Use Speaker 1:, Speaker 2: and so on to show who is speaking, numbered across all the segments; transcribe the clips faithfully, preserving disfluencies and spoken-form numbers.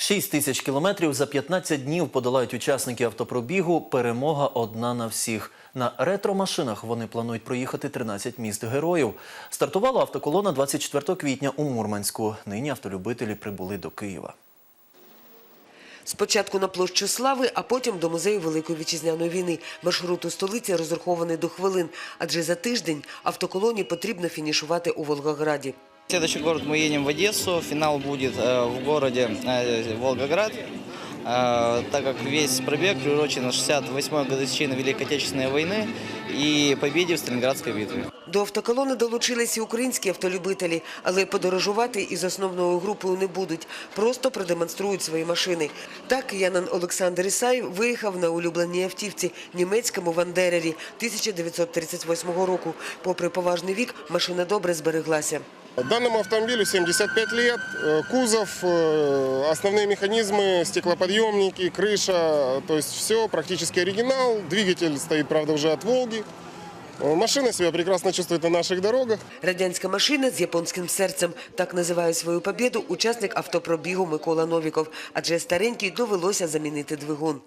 Speaker 1: шість тисяч кілометрів за п'ятнадцять днів подолають учасники автопробігу «Перемога одна на всіх». На ретро-машинах вони планують проїхати тринадцять міст героїв. Стартувала автоколона двадцять четвертого квітня у Мурманську. Нині автолюбителі прибули до Києва.
Speaker 2: Спочатку на площу Слави, а потім до музею Великої Вітчизняної війни. Маршрут у столиці розрахований до хвилин, адже за тиждень автоколоні потрібно фінішувати у Волгограді.
Speaker 3: Следующий город мы едем в Одессу, финал будет в городе Волгоград, так как весь пробег приурочен на шестьдесят восьмой годовщине Великой Отечественной войны и победе в Сталинградской битве.
Speaker 2: До автоколони долучилися і українські автолюбителі, але подорожувати із основною групою не будуть, просто продемонструють свої машини. Так киянин Олександр Ісаєв виїхав на улюбленій автівці – німецькому «Вандерері» тисяча дев'ятсот тридцять восьмого року. Попри поважний вік, машина добре збереглася.
Speaker 4: Данному автомобилю семьдесят пять лет, кузов, основные механизмы, стеклоподъемники, крыша, то есть все практически оригинал. Двигатель стоит, правда, уже от «Волги». Машина себя прекрасно чувствует на наших дорогах.
Speaker 2: Радянська машина з японським серцем – так називає свою побєду учасник автопробігу Микола Новіков. Адже старенький довелося замінити двигун.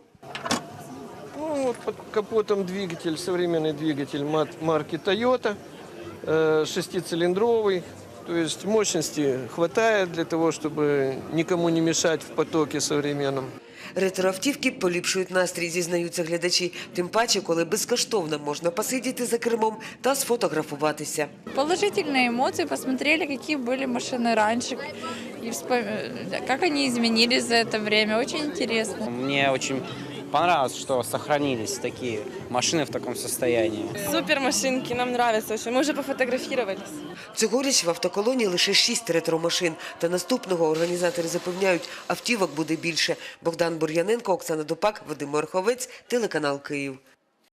Speaker 5: Ну, вот под капотом двигатель, современный двигатель марки Toyota, шестицилиндровый. То есть мощности хватает для того, чтобы никому не мешать в потоке современном.
Speaker 2: Ретроавтівки поліпшують настрій, зізнаються глядачі. Тим паче, коли безкоштовно можна посидіти за кермом та сфотографуватися.
Speaker 6: Положительные эмоции, посмотрели, какие были машины раньше, и как они изменились за это время. Очень интересно.
Speaker 7: Мне очень понравилось, что сохранились такие машины в таком состоянии.
Speaker 8: Супер машинки, нам нравятся очень. Мы уже пофотографировались.
Speaker 2: Цьогоріч в автоколоні лише шість ретро-машин. Та наступного організатори запевняють, автівок буде більше. Богдан Бур'яненко, Оксана Дупак, Вадим Орховець, телеканал «Київ».